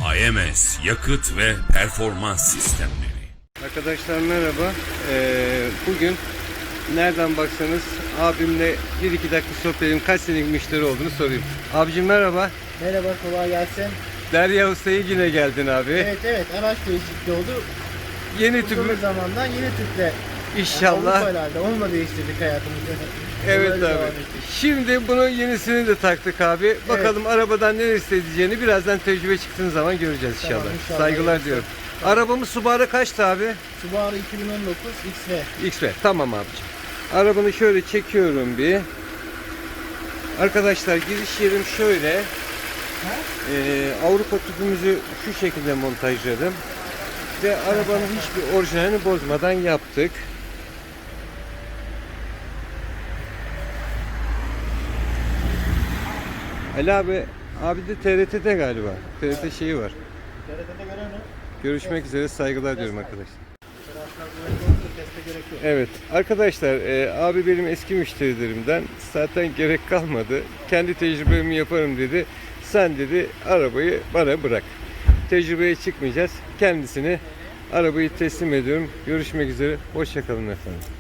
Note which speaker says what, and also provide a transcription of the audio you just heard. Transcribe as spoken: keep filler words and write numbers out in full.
Speaker 1: A M S yakıt ve performans sistemleri.
Speaker 2: Arkadaşlar merhaba. Ee, bugün nereden baksanız abimle bir iki dakika sohbet edelim. Kaç senelik müşteri olduğunu sorayım. Abicim merhaba.
Speaker 3: Merhaba, kolay gelsin.
Speaker 2: Derya Usta'ya yine geldin abi.
Speaker 3: Evet evet, araç değişikliği oldu.
Speaker 2: Yeni
Speaker 3: Uzun
Speaker 2: tüpü
Speaker 3: bir zamandan yeni tüple.
Speaker 2: inşallah.
Speaker 3: Yani Avrupa'larda onunla değiştirdik hayatımızı.
Speaker 2: Evet
Speaker 3: Böyle
Speaker 2: abi.
Speaker 3: devam ettik.
Speaker 2: Şimdi bunun yenisini de taktık abi. Bakalım arabadan ne isteyeceğini birazdan tecrübe çıktığın zaman göreceğiz inşallah.
Speaker 3: Tamam, inşallah.
Speaker 2: Saygılar
Speaker 3: Evet.
Speaker 2: diyorum. Arabamız Subaru kaçtı abi?
Speaker 3: Subaru iki bin on dokuz X V.
Speaker 2: X V. Tamam abicim. Arabanı şöyle çekiyorum bir. Arkadaşlar giriş yerim şöyle. Ee, Avrupa tüpümüzü şu şekilde montajladım. Ve arabanın hiçbir orijinalini bozmadan yaptık. Ali abi, abi de T R T'de galiba. T R T şeyi var.
Speaker 3: T R T'de gören o.
Speaker 2: Görüşmek üzere, saygılar diyorum arkadaşlar.
Speaker 3: Araçlar güvenli olduğu teste gerek yok.
Speaker 2: Evet arkadaşlar, e, abi benim eski müşterilerimden, zaten gerek kalmadı. Kendi tecrübemi yaparım dedi. Sen dedi arabayı bana bırak. Tecrübeye çıkmayacağız. Kendisine arabayı teslim ediyorum. Görüşmek üzere. Hoşça kalın efendim.